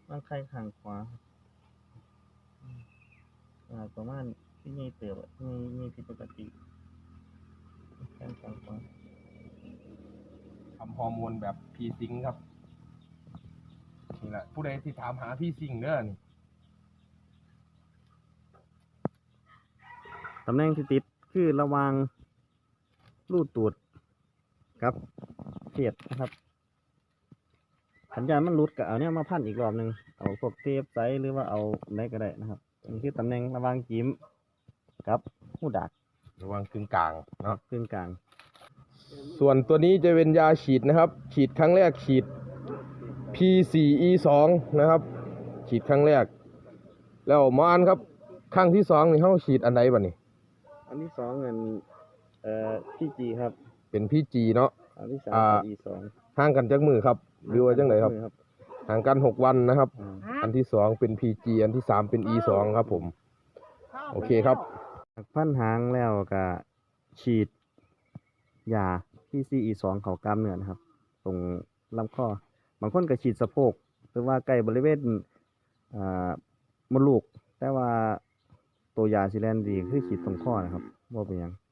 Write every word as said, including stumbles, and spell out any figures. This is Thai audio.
ร่างกายข้างขวาอ่าประมาณที่นี่เติบมีมีผิดปกติแข้งข้างขวาทำฮอร์โมนแบบพีซิงครับนี่แหละผู้ใดที่ถามหาพี่ซิงเด้อนี่ตำแหน่งที่ติดคือระหว่างรูตูดครับเขียดนะครับสัญญาณมันรุดก็เอาเนี่ยมาพันอีกรอบหนึ่งเอาพวกเทปไซหรือว่าเอาไหนก็ได้นะครับนี่คือตำแหน่งระหว่างจิ้มกับหูดักระวังกึ่งกลางเนาะกึ่งกลางส่วนตัวนี้จะเป็นยาฉีดนะครับฉีดครั้งแรกฉีด พี โฟร์ อี ทู นะครับฉีดครั้งแรกแล้วมานครับครั้งที่สองนี่เขาฉีดอันไหนบ้านี่อันที่สองเงินเอ่อพี่จีครับเป็นพี่จีเนาะอันที่สาม อี สองห่างกันจักมือครับหรือว่าจังไหนครับห่างกันหกวันนะครับอันที่สองเป็น พี จี อันที่สามเป็น อี ทู ครับผมโอเคครับพันหางแล้วก็ฉีดยา พี ซี อี ทู เขากล้ามเนื้อนะครับตรงลำคอบางคนก็ฉีดสะโพกหรือว่าใกล้บริเวณอ่ามดลูกแต่ว่าตัวยาซิแลนดีคือฉีดตรงข้อนะครับว่าเป็นยัง